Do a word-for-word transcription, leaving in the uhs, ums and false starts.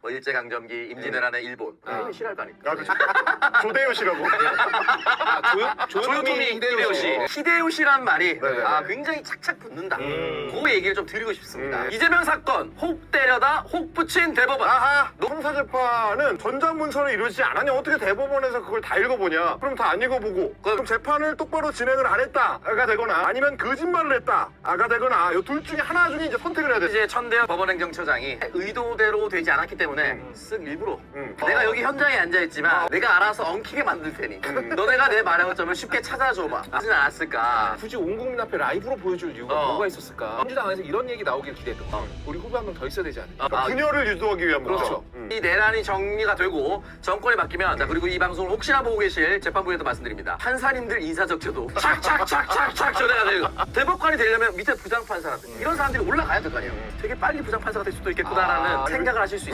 뭐 일제강점기, 임진왜란의 일본. 아, 싫어할 거 아닙니까? 아, 그렇죠. 조대요시라고. 아, 조, 조요토미 히데요시. 히데요시란 말이 네네. 아, 굉장히 착착 붙는다. 음. 그 얘기를 좀 드리고 싶습니다. 음. 이재명 사건 혹 때려다 혹 붙인 대법원. 아하, 형사재판은 전장문서로 이루어지지 않았냐? 어떻게 대법원에서 그걸 다 읽어보냐? 그럼 다 안 읽어보고 그럼 재판을 똑바로 진행을 안 했다가 되거나 아니면 거짓말을 했다가 되거나 이 둘 중에 하나 중에 이제 선택을 해야 돼. 이제 천대엽 법원행정처장이 의도대로 되지 않았기 때문에 쓱 일부러 음. 내가 여기 현장에 앉아있지만 내가 알아서 엉키게 만들 테니 너네가 내 말의 허점을 쉽게 찾아줘봐 하진 않았을까. 굳이 온 국민 앞에 라이브로 보여줄 이유가 어. 뭐가 있었을까? 민주당 안에서 이런 얘기 나오길 기대했던 거. 우리 후보 한 명 더 있어야 되지 않을까? 아, 분열을 유도하기 위한 거죠. 그렇죠. 음. 이 내란이 정리가 되고 정권이 바뀌면 자 그리고 이 방송을 혹시나 보고 계실 재판부에도 말씀드립니다. 판사님들 인사적혀도 착착착착착 전해가 되고 대법관이 되려면 밑에 부장판사라든지 이런 사람들이 올라가야 될 거 아니에요. 되게 빨리 부장판사가 될 수도 있겠구나라는 아, 생각을 하실 수 있어요.